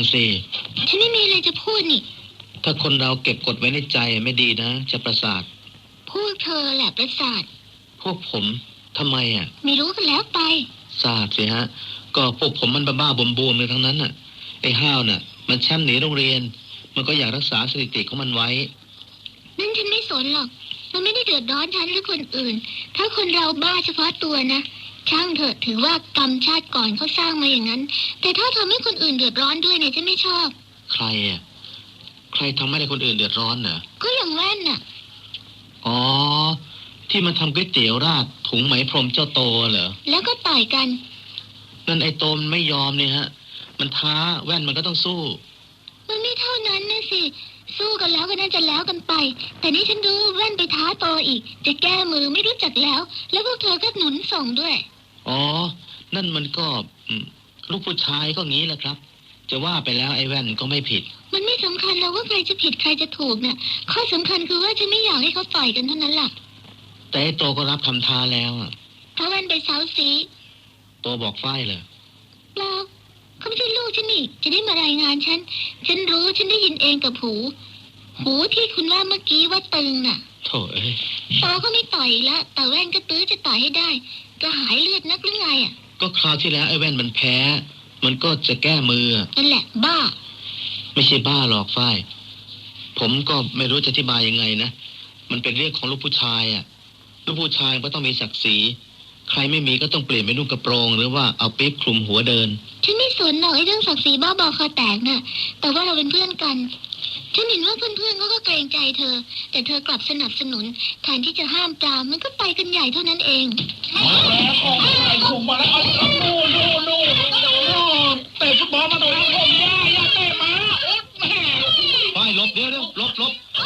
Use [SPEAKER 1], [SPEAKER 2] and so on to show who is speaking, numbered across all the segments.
[SPEAKER 1] สิ
[SPEAKER 2] ฉันไม่มีอะไรจะพูดนี่
[SPEAKER 1] ถ้าคนเราเก็บกดไว้ในใจไม่ดีนะจะประสาท
[SPEAKER 2] พวกเธอแหละประสาท
[SPEAKER 1] พวกผมทำไม
[SPEAKER 2] ไม่รู้กันแล้วไป
[SPEAKER 1] ทราบสิฮะก็พวกผมมันบ้าๆบวมๆเลยทั้งนั้นไอ้ห้าวมันแชมป์หนีโรงเรียนมันก็อยากรักษาสถิติของมันไว้
[SPEAKER 2] นั่นฉันไม่สนหรอกมันไม่ได้เดือดร้อนฉันหรือคนอื่นถ้าคนเราบ้าเฉพาะตัวนะช่างเถอะถือว่ากรรมชาติก่อนเขาสร้างมาอย่างนั้นแต่ถ้าทำให้คนอื่นเดือดร้อนด้วยเนี่ยฉันไม่ชอบ
[SPEAKER 1] ใครทำให้คนอื่นเดือดร้อนเหรอ
[SPEAKER 2] ก็อย่างแว่น
[SPEAKER 1] อ๋อที่มันทำก๋วยเตี๋ยวราดถุงไหมพรมเจ้าโตเหรอ
[SPEAKER 2] แล้วก็ต่อยกัน
[SPEAKER 1] นั่นไอ้โตมันไม่ยอมนี่ฮะมันท้าแว่นมันก็ต้องสู้
[SPEAKER 2] มันไม่เท่านั้นนะสิสู้กันแล้วก็น่าจะแล้วกันไปแต่นี่ฉันดูแว่นไปท้าโตอีกจะแก้มือไม่รู้จักแล้วพวกเธอก็หนุนส่งด้วย
[SPEAKER 1] อ๋อนั่นมันก็ลูกผู้ชายก็งี้แหละครับจะว่าไปแล้วไอ้แว่นก็ไม่ผิด
[SPEAKER 2] มันไม่สำคัญแล้วว่าใครจะผิดใครจะถูกเนี่ยข้อสำคัญคือว่าฉันไม่อยากให้เขาต่อยกันเท่านั้นแหละ
[SPEAKER 1] แต่ไอ้โตก็รับคำท้าแล้ว
[SPEAKER 2] ถ้าแว่นไปเซาซี
[SPEAKER 1] โตบอกฝ้ายเลย
[SPEAKER 2] เปล่าเขาไม่ใช่ลูกฉันนี่จะได้มารายงานฉันรู้ฉันได้ยินเองกับหูที่คุณว่าเมื่อกี้ว่าตึง
[SPEAKER 1] โถ่
[SPEAKER 2] โตก็ไม่ต่อยแล้วแต่แว่นก็ตื้อจะต่อยให้ได้ก็หายเลือดนักหรือไง
[SPEAKER 1] ก็คราวที่แล้วไอ้แว่นมันแพ้มันก็จะแก้มือ
[SPEAKER 2] นั่นแหละบ้า
[SPEAKER 1] ไม่ใช่บ้าหรอกฝ้ายผมก็ไม่รู้จะอธิบายยังไงนะมันเป็นเรื่องของลูกผู้ชายลูกผู้ชายก็ต้องมีศักดิ์ศรีใครไม่มีก็ต้องเปลี่ยนไปนุ่งกระโปรงหรือว่าเอาปิ๊บคลุมหัวเดิน
[SPEAKER 2] ฉันไม่สนหรอกไอ้เรื่องศักดิ์ศรีบ้าบอคอแตกแต่ว่าเราเป็นเพื่อนกันฉันเห็นว่าเพื่อนๆเขาก็เกรงใจเธอแต่เธอกลับสนับสนุนแทนที่จะห้ามปรามมันก็ไปกันใหญ่เท่านั้นเอง
[SPEAKER 3] มาแล้วไอ้คุมมาแล้วนู่นเตะฟุตบอลมาโดนผมย่าเตะมา
[SPEAKER 1] ป้ายลบเดี๋ยวลบ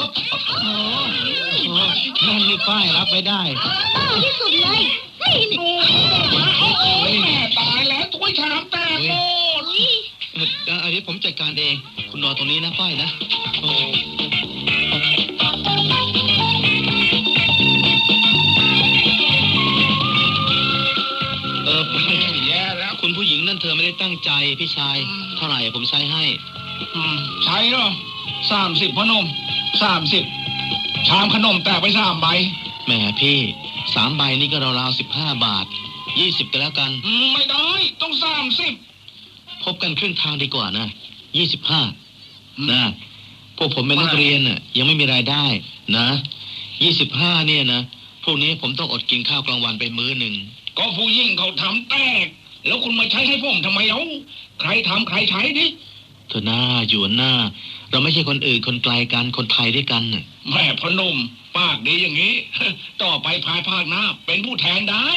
[SPEAKER 1] นั่นนี่ป้ายรับไม่ได้
[SPEAKER 2] ที่สุดเลย
[SPEAKER 3] แม่ตายแล้วถ้วยชามแตกหมด
[SPEAKER 1] อันนี้ผมจัดการเองคุณรอตรงนี้นะป้ายนะ
[SPEAKER 3] แย่แล้ว
[SPEAKER 1] คุณผู้หญิงนั่นเธอไม่ได้ตั้งใจพี่ชายเท่าไหร่ผมใช้ให้
[SPEAKER 3] ใช้เหรอ30พนม30ชามขนมแตกไป3ใบ
[SPEAKER 1] แหมพี่3ใบนี่ก็ราวๆ15 บาท20กันแล้วกัน
[SPEAKER 3] ไม่ได้ต้อง30
[SPEAKER 1] พบกันครึ่งทางดีกว่านะ25นะพวกผมเป็นนักเรียนยังไม่มีรายได้นะ25เนี่ยนะพวกนี้ผมต้องอดกินข้าวกลางวันไปมื้อหนึ่ง
[SPEAKER 3] ก็ผู้ยิ่งเขาทำแตกแล้วคุณมาใช้ให้ผมทำไมใครทำใครใช้ดิ
[SPEAKER 1] เธอหน้าอยู่หน้าเราไม่ใช่คนอื่นคนไกลกันคนไทยด้วยกัน
[SPEAKER 3] แม่พนมปากดีอย่างนี้ต่อไปภายภาคหน้าเป็นผู้แทนได้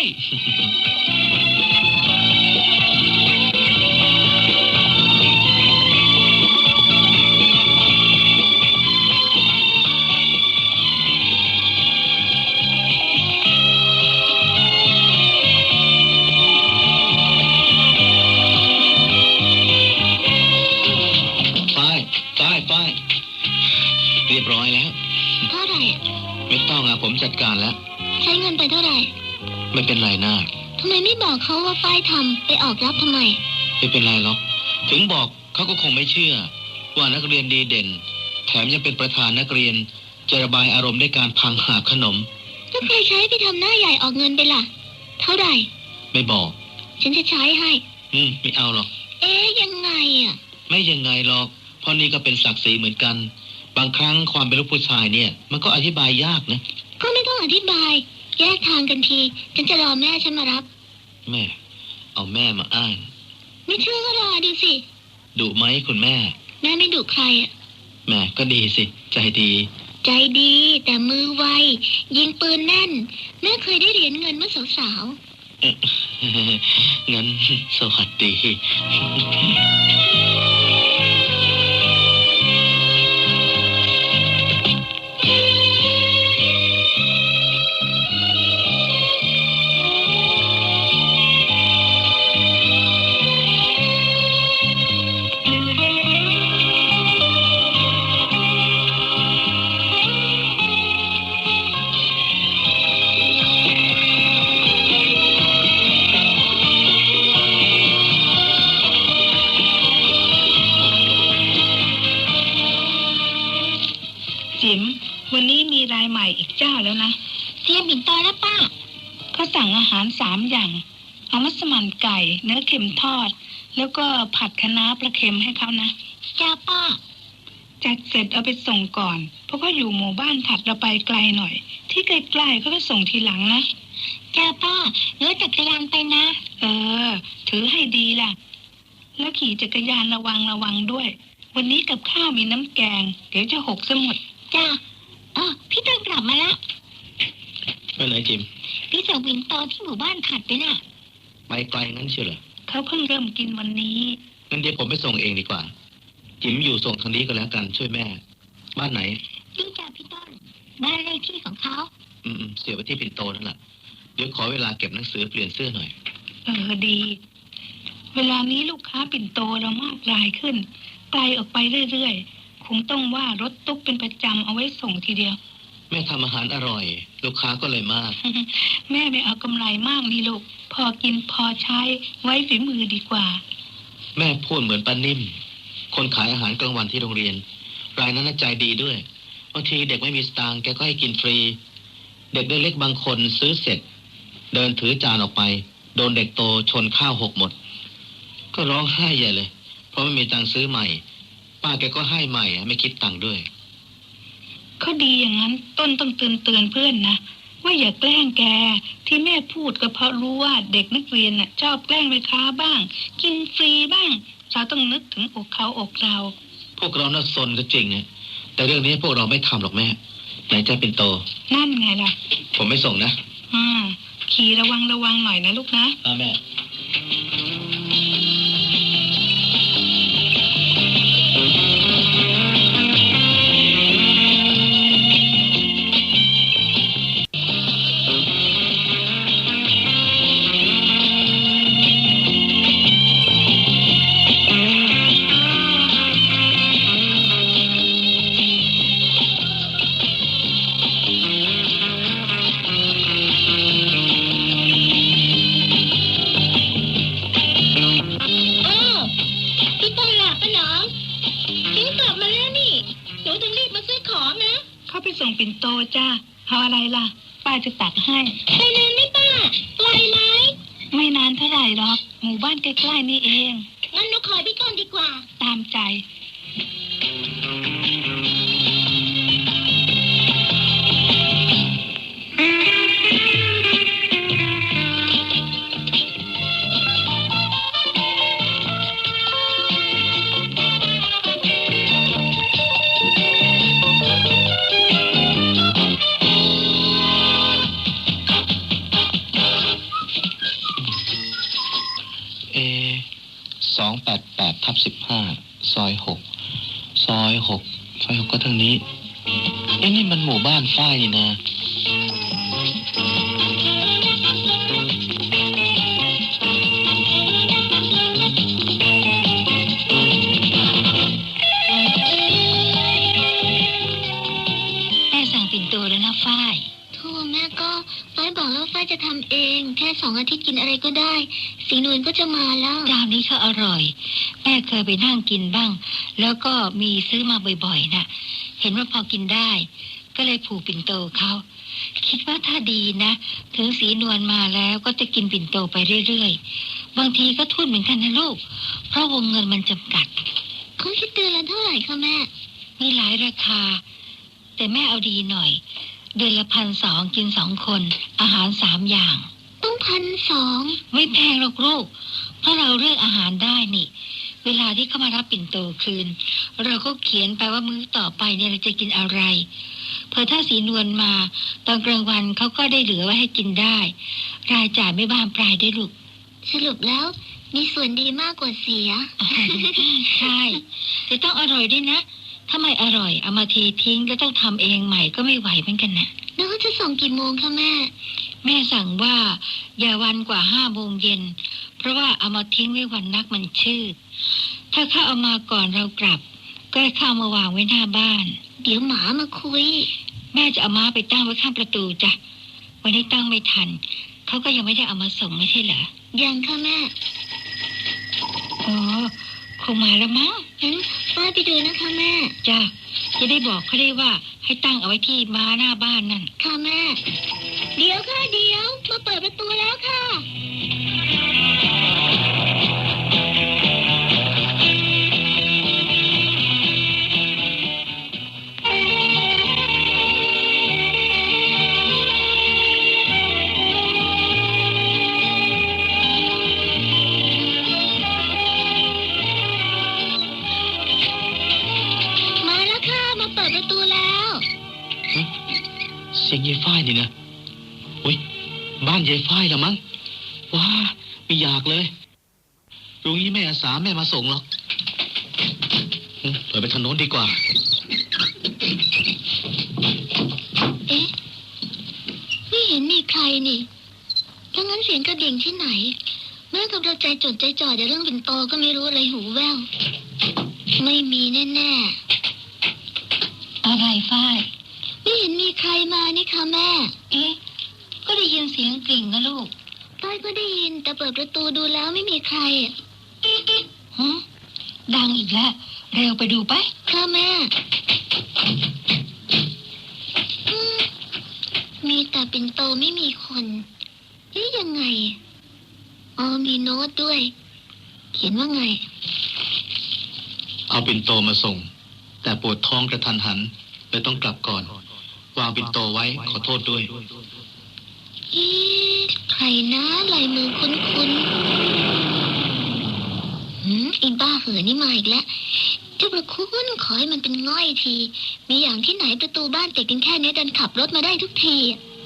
[SPEAKER 1] ป้ายเรียบร้อยแล้ว
[SPEAKER 2] เท่าไหร่
[SPEAKER 1] ไม่ต้องผมจัดการแล้ว
[SPEAKER 2] ใช้เงินไปเท่าไหร่
[SPEAKER 1] ไม่เป็นไรนะ
[SPEAKER 2] ทำไมไม่บอกเขาว่าป้ายทำไปออกรับทำไม
[SPEAKER 1] ไม่เป็นไรหรอกถึงบอกเขาก็คงไม่เชื่อว่านักเรียนดีเด่นแถมยังเป็นประธานนักเรียนจะระบายอารมณ์ด้วยการพังหาขนม
[SPEAKER 2] ถ้าใครใช้ไปทำหน้าใหญ่ออกเงินไปล่ะเท่าไหร่
[SPEAKER 1] ไม่บอก
[SPEAKER 2] ฉันจะใช้ให้
[SPEAKER 1] ไม่เอาหรอก
[SPEAKER 2] ยังไง
[SPEAKER 1] ไม่ยังไงหรอกเพราะนี่ก็เป็นศักดิ์ศรีเหมือนกันบางครั้งความเป็นลูกผู้ชายเนี่ยมันก็อธิบายยากนะ
[SPEAKER 2] ก็ไม่ต้องอธิบายแยกทางกันทีฉันจะรอแม่ฉันมารับ
[SPEAKER 1] แม่เอาแม่มาอ้าง
[SPEAKER 2] ไม่เชื่อก็รอดูสิ
[SPEAKER 1] ดุไหมคุณแม่
[SPEAKER 2] ไม่ดุใคร
[SPEAKER 1] แม่ก็ดีสิใจ
[SPEAKER 2] ดีแต่มือไวยิงปืนแน่นแม่เคยได้เหรียญเงินเมื่อสาว
[SPEAKER 1] งั้นสวัสดี
[SPEAKER 4] รายใหม่อีกเจ้าแล้วนะ
[SPEAKER 2] เตรียมปิ่นโตแล้วป้า
[SPEAKER 4] เขาสั่งอาหาร3 อย่างเอามัสมั่นไก่เนื้อเค็มทอด แล้วก็ผัดคะน้าปลาเค็มให้เขานะ
[SPEAKER 2] จ้าป้า
[SPEAKER 4] จัดเสร็จเอาไปส่งก่อนเพราะเขาอยู่หมู่บ้านถัดเราไปไกลหน่อย ที่ใกล้ๆเขาก็ส่งทีหลังนะ
[SPEAKER 2] จ้าป้าเนื้อจักรยานไปนะ
[SPEAKER 4] ถือให้ดีล่ะแล้วขี่จักรยานระวังด้วยวันนี้กับข้าวมีน้ำแกงเดี๋ยวจะหกซะหมด
[SPEAKER 2] จ้าพี่ต้นกลับมาแล้ว
[SPEAKER 1] ไปไหนจิม
[SPEAKER 2] พี่ส่งปิ่นโตที่หมู่บ้านถัดไปน่ะ
[SPEAKER 1] ไปไกลงั้นเชียวเหรอ
[SPEAKER 4] เขาเพิ่งเริ่มกินวันนี้
[SPEAKER 1] งั้นเดี๋ยวผมไปส่งเองดีกว่า จิมอยู่ส่งทางนี้ก็แล้วกันช่วยแม่ บ้านไหน
[SPEAKER 2] นี่จ้าพี่ต้นบ้านเลขที่ของเขา
[SPEAKER 1] เสียไปที่ปิ่นโตนั่นแหละเดี๋ยวขอเวลาเก็บหนังสือเปลี่ยนเสื้อหน่อย
[SPEAKER 4] ดี เวลานี้ลูกค้าปิ่นโตเรามากรายขึ้นไกลออกไปเรื่อยๆคงต้องว่ารถตุ๊กเป็นประจำเอาไว้ส่งทีเดียว
[SPEAKER 1] แม่ทำอาหารอร่อย ลูกค้าก็เลยมาก
[SPEAKER 4] แม่ไม่เอากำไรมากนี่ลูกพอกินพอใช้ไว้ฝีมือดีกว่า
[SPEAKER 1] แม่พูดเหมือนป้านิ่มคนขายอาหารกลางวันที่โรงเรียนรายนั้นน่ะใจดีด้วยบางทีเด็กไม่มีสตางค์แกก็ให้กินฟรีเด็กเล็กบางคนซื้อเสร็จเดินถือจานออกไปโดนเด็กโตชนข้าวหกหมดก็ร้องไห้ใหญ่เลยเพราะไม่มีตังค์ซื้อใหม่ป้าแกก็ให้ใหม่ไม่คิดตังค์ด้วย
[SPEAKER 4] เขาดีอย่างนั้นต้นต้องเตือนเพื่อนนะว่าอย่าแกล้งแกที่แม่พูดก็เพราะรู้ว่าเด็กนักเรียนน่ะชอบแกล้งแม่ค้าบ้างกินฟรีบ้างเราต้องนึกถึงอกเขาอกเรา
[SPEAKER 1] พวกเราน่าซนก็จริงนะแต่เรื่องนี้พวกเราไม่ทำหรอกแม่ไหนจะเป็นโต
[SPEAKER 4] นั่นไงล่ะ
[SPEAKER 1] ผมไม่ส่งนะ
[SPEAKER 4] ขี่ระวังหน่อยนะลูกนะ
[SPEAKER 1] แม่
[SPEAKER 2] พี่ต้นหลับปะหนอทิ้งกลับมาแล้วนี่หนูถึงรีบมาซื้อของนะ
[SPEAKER 4] เข้าไปส่งปิ่นโตจ้าเอาอะไรล่ะป้าจะตักให้
[SPEAKER 2] ไปนานไหมป้าไกลไหม
[SPEAKER 4] ไม่นานเท่าไหร่หรอกหมู่บ้านใกล้ๆนี่เอง
[SPEAKER 2] งั้นหนูขอพี่ต้นดีกว่า
[SPEAKER 4] ตามใจ
[SPEAKER 1] 288/15ซอย6ก็ทางนี้นี่มันหมู่บ้านฝ้ายนี่นะ
[SPEAKER 2] แม่สั่งปิ่นโตแล้วนะฝ้ายโธ่แม่ก็ฝ้ายบอกแล้วฝ้ายจะทำเองแค่2 อาทิตย์กินอะไรก็ได้สีนวลก็จะมาแล้วจานนี้เขาอร่อยแม่เคยไปนั่งกินบ้างแล้วก็มีซื้อมาบ่อยๆน่ะเห็นว่าพอกินได้ก็เลยผูกปิ่นโตเขาคิดว่าถ้าดีนะถึงสีนวลมาแล้วก็จะกินปิ่นโตไปเรื่อยๆบางทีก็ทุ่นเหมือนกันนะลูกเพราะวงเงินมันจำกัดเขาคิดเดือนละเท่าไหร่คะแม่มีหลายราคาแต่แม่เอาดีหน่อยเดือนละ1,200กิน2 คนอาหาร3 อย่างต้อง1,200ไม่แพงหรอกลูกเพราะเราเลือกอาหารได้นี่เวลาที่เขามารับปิ่นโตคืนเราก็เขียนไปว่ามื้อต่อไปเนี่ยเราจะกินอะไรพอถ้าสีนวลมาตอนกลางวันเขาก็ได้เหลือไว้ให้กินได้รายจ่ายไม่บานปลายได้ลูกสรุปแล้วมีส่วนดีมากกว่าเสีย ใช่แต่ต้องอร่อยด้วยนะถ้าไม่อร่อยเอามาเททิ้งแล้วต้องทำเองใหม่ก็ไม่ไหวเหมือนกันนะแล้วเขาจะส่งกี่โมงคะแม่สั่งว่าอย่าวันกว่า5 โมงเย็นเพราะว่าเอามาทิ้งไว้วันนักมันชืดถ้าเขาเอามาก่อนเรากลับก็ให้เข้ามาวางไว้หน้าบ้านเดี๋ยวหมามาคุยแม่จะเอาม้าไปตั้งไว้ข้างประตูจ้ะวันนี้ตั้งไม่ทันเขาก็ยังไม่ได้เอามาส่งไม่ใช่เหรอยังค่ะแม่
[SPEAKER 4] คงมาแล้วมั้ง
[SPEAKER 2] งั้นป้าไปดูนะคะแม่
[SPEAKER 4] จ้ะจะได้บอกเขาได้ว่าให้ตั้งเอาไว้ที่ม้าหน้าบ้านนั่น
[SPEAKER 2] ค่ะแม่ เดี๋ยวค่ะเดี๋ยวมาเปิดประตูแล้วค่ะ มาแล้วค่ะมาเปิดประตูแล้ว
[SPEAKER 1] ฮะเสียงยายฝ้ายนี่นะอุ้ยบ้านยายฝ้ายละมั้งว้าไม่อยากเลยตรงนี้แม่อาสาแม่มาส่งหรอกเปิดไปทางโน้นดีกว่า
[SPEAKER 2] เอ๊ะไม่เห็นมีใครนี่ถ้างั้นเสียงกระดิ่งที่ไหนแม่กับเราใจจดใจจ่อแต่เรื่องเป็นโตก็ไม่รู้อะไรหูแว่วไม่มีแน่ๆ
[SPEAKER 4] อะไรฝ้าย
[SPEAKER 2] ไม่เห็นมีใครมานี่ค่ะแม่
[SPEAKER 4] เอ๊ะก็ได้ยินเสียงกริ่งนะลูก
[SPEAKER 2] ต้อยก็ได้ยินแต่เปิดประตูดูแล้วไม่มีใคร
[SPEAKER 4] ฮะดังอีกแล้วเร็วไปดูไป
[SPEAKER 2] ค่ะแม่มีแต่ปิ่นโตไม่มีคนนี่ยังไงอ๋อมีโน้ตด้วย เขียนว่าไง
[SPEAKER 1] เอาปิ่นโตมาส่งแต่ปวดท้องกระทันหันเลยต้องกลับก่อน วางปิ่นโตไว้ขอโทษด้วย
[SPEAKER 2] เอ๊ะใครนะลายมือคุ้นไอ้บ้าเหือนี่มาอีกแล้วเจ้าประคุณขอให้มันเป็นง่อยที มีอย่างที่ไหนประตูบ้านติดกันแค่นี้ดันขับรถมาได้ทุกที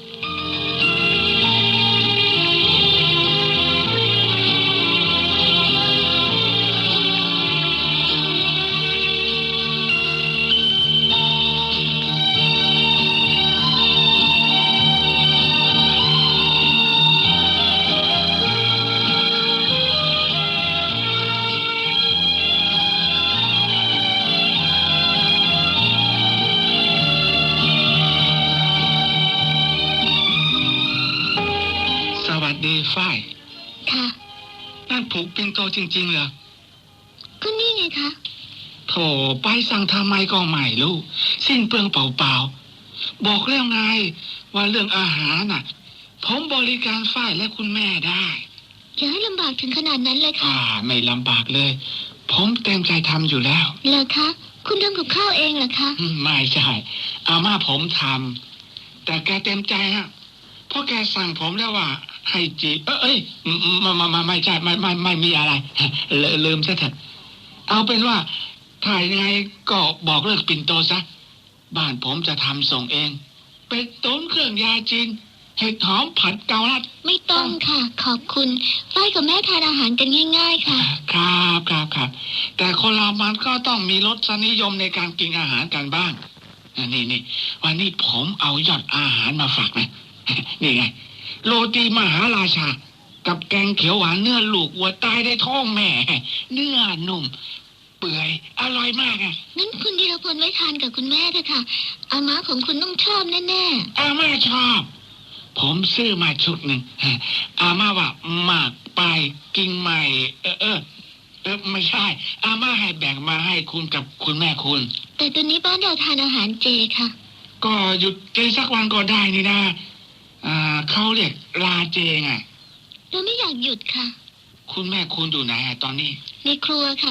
[SPEAKER 3] สวัสดีฝ้าย
[SPEAKER 2] ค่ะ
[SPEAKER 3] นั่นผูกปิ่นโตจริงๆเหรอ
[SPEAKER 2] ก็นี่ไงคะ
[SPEAKER 3] โถไปสั่งทำไมก็ไม่รู้สิ้นเปลืองเปล่าๆบอกแล้วไงว่าเรื่องอาหารน่ะผมบริการฝ้ายและคุณแม่ได้
[SPEAKER 2] อย่าให้ลำบากถึงขนาดนั้นเลยค่ะ
[SPEAKER 3] ไม่ลำบากเลย ผมเต็มใจทำอยู่แล้ว
[SPEAKER 2] เหรอคะ คุณทำกับข้าวเองเหรอคะ
[SPEAKER 3] ไม่ใช่อาม่าผมทำแต่แกเต็มใจฮะเพราะแกสั่งผมแล้วว่า ให้จีไม่ใช่ไม่มีอะไร ลืมซะเถอะเอาเป็นว่าถ่ายยังไงก็บอกเลิกปิ่นโตซะบ้านผมจะทำส่งเองเป็ดต้มเครื่องยาจีนเห็ดหอมผัดเกาลัด
[SPEAKER 2] ไม่ต้องค่ะ ขอบคุณฝ้ายกับแม่ทานอาหารกันง่าย ๆ ค่ะ
[SPEAKER 3] ครับแต่คนเรามันก็ต้องมีรสนิยมในการกินอาหารกันบ้างนี่วันนี้ผมเอายอดอาหารมาฝากนะ นี่ไงโรตีมหาราชากับแกงเขียวหวานเนื้อลูกวัวตายได้ท้องแม่ เนื้อนุ่มเปื่อยอร่อยมากอ่ะ
[SPEAKER 2] งั้นคุณธีรพลไว้ทานกับคุณแม่เถอะค่ะ อาม่าของคุณต้องชอบแน่
[SPEAKER 3] อาม่าชอบ ผมซื้อมาชุดหนึ่งอาม่าว่าหมากไปกินใหม่ไม่ใช่อาม่าให้แบ่งมาให้คุณกับคุณแม่คุณ
[SPEAKER 2] ๆ แต่ตอนนี้บ้านเราทานอาหารเจค่ะ
[SPEAKER 3] ก็หยุดเจสักวันก็ได้นี่นะเขาเรียกลาเจไง
[SPEAKER 2] เราไม่อยากหยุดค่ะ
[SPEAKER 3] คุณแม่คุณอยู่ไหนตอนนี้
[SPEAKER 2] ในครัวค่ะ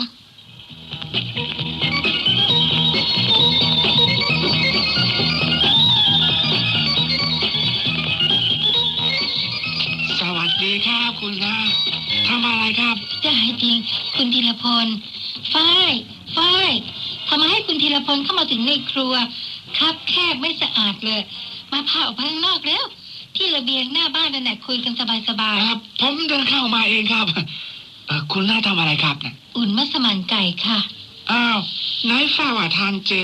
[SPEAKER 3] สวัสดีครับคุณน้าทำอะไรครับ
[SPEAKER 4] จะให้จริงคุณธีรพลฝ้ายทำไมให้คุณธีรพลเข้ามาถึงในครัวครับแคบไม่สะอาดเลย มาพาออกไปข้างนอกแล้ว ที่ระเบียงหน้าบ้านนั่นแหละคุยกันสบาย
[SPEAKER 3] ผมเดินเข้ามาเองครับคุณน้าทำอะไรครับเนี่ย
[SPEAKER 4] ๆอุ่นมัสมั่นไก่ค่ะ
[SPEAKER 3] อ้าวไหนฝ้าว่าทานเจ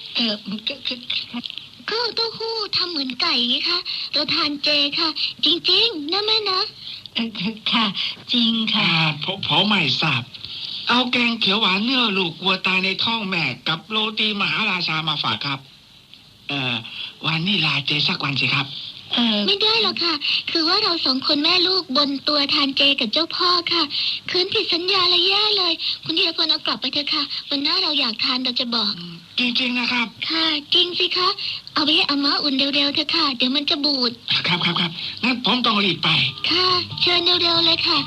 [SPEAKER 2] ก็เต้าหู้ทำเหมือนไก่ไงคะ เราทานเจค่ะ จริงๆนะแม่นะ
[SPEAKER 4] ค่ะ จริงค่ะ
[SPEAKER 3] ผมไม่ทราบเอาแกงเขียวหวานเนื้อลูกวัวตายในท้องแม่กับโรตีมหาราชามาฝากครับวันนี้ลาเจสักวันสิครับ
[SPEAKER 2] ไม่ได้หรอกค่ะ คือว่าเรา2 คนแม่ลูกบนตัวทานเจกับเจ้าพ่อค่ะคืนผิดสัญญาอะไรแย่เลย คุณธีรพลเอากลับไปเถอะค่ะวันหน้าเราอยากทานเราจะบอก
[SPEAKER 3] จริงๆนะครับ
[SPEAKER 2] ค่ะจริงสิคะเอาไปให้อาม่าอุ่นเร็วๆเถอะค่ะเดี๋ยวมันจะบูด
[SPEAKER 3] ครับงั้นผมต้องรีบไป
[SPEAKER 2] ค่ะเชิญเร็วๆเลยค่ะ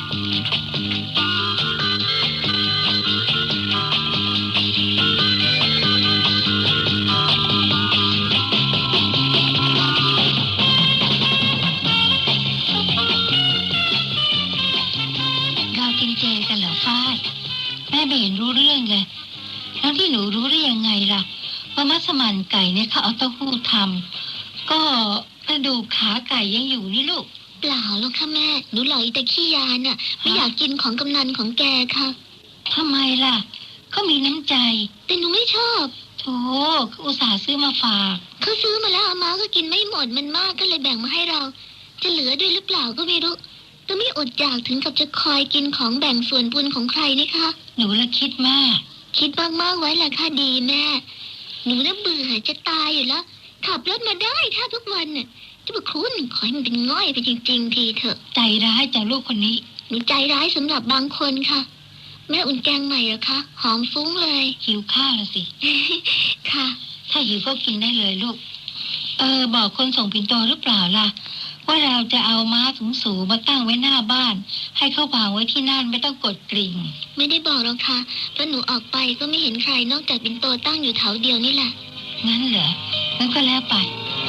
[SPEAKER 5] เรากินเจกันเหรอฝ้ายแม่ไม่เห็นรู้เรื่องเลยแล้วที่หนูรู้ได้ยังไงล่ะว่ามัสมั่นไก่เนี่ยเขาเอาเต้าหู้ทำก็กระดูกขาไก่ยังอยู่นี่ลูก
[SPEAKER 2] เปล่าหรอกค่ะแม่หนูหลอกอีตาขี้ยาน่ะไม่อยากกินของกำนันของแกค่ะ
[SPEAKER 5] ทำไมล่ะเขามีน้ำใจ
[SPEAKER 2] แต่หนูไม่ชอบ
[SPEAKER 5] โธ่เขาอุตส่าห์ซื้อมาฝาก
[SPEAKER 2] เขาซื้อมาแล้วอาม่าก็กินไม่หมดมันมากก็เลยแบ่งมาให้เรา จะเหลือด้วยหรือเปล่าก็ไม่รู้แต่ไม่อดอยากถึงกับจะคอยกินของแบ่งส่วนบุญของใครนี่คะ
[SPEAKER 5] หนูละคิดมาก
[SPEAKER 2] คิดมากๆไว้แหละค่ะดีแม่หนูน่ะเบื่อจะตายอยู่แล้วขับรถมาได้แทบทุกวันน่ะจะบอกคุณขอให้มันเป็นง่อยไปจริงๆทีเถอะ
[SPEAKER 5] ใจร้ายจากลูกคนนี้
[SPEAKER 2] หนูใจร้ายสำหรับบางคนค่ะ แม่อุ่นแกงใหม่เหรอคะหอมฟุ้งเลย
[SPEAKER 5] หิวข้าวละสิ
[SPEAKER 2] ค่ะ
[SPEAKER 5] ถ้าหิวก็กินได้เลยลูกบอกคนส่งปิ่นโตหรือเปล่าล่ะว่าเราจะเอาม้าสูงๆมาตั้งไว้หน้าบ้าน ให้เขาวางไว้ที่นั่นไม่ต้องกดกริ่ง
[SPEAKER 2] ไม่ได้บอกหรอกค่ะเพราะหนูออกไปก็ไม่เห็นใครนอกจากปิ่นโตตั้งอยู่แถวเดียวนี่แหละ
[SPEAKER 5] งั้นเหรองั้นก็แล้วไป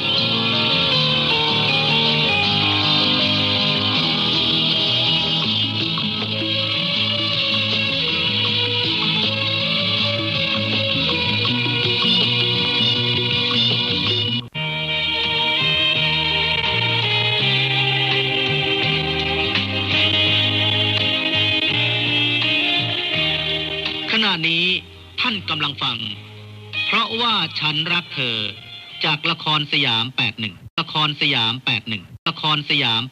[SPEAKER 1] ขณะนี้ท่านกำลังฟัง เพราะว่าฉันรักเธอจากละครสยาม 81 ละครสยาม 81 ละครสยาม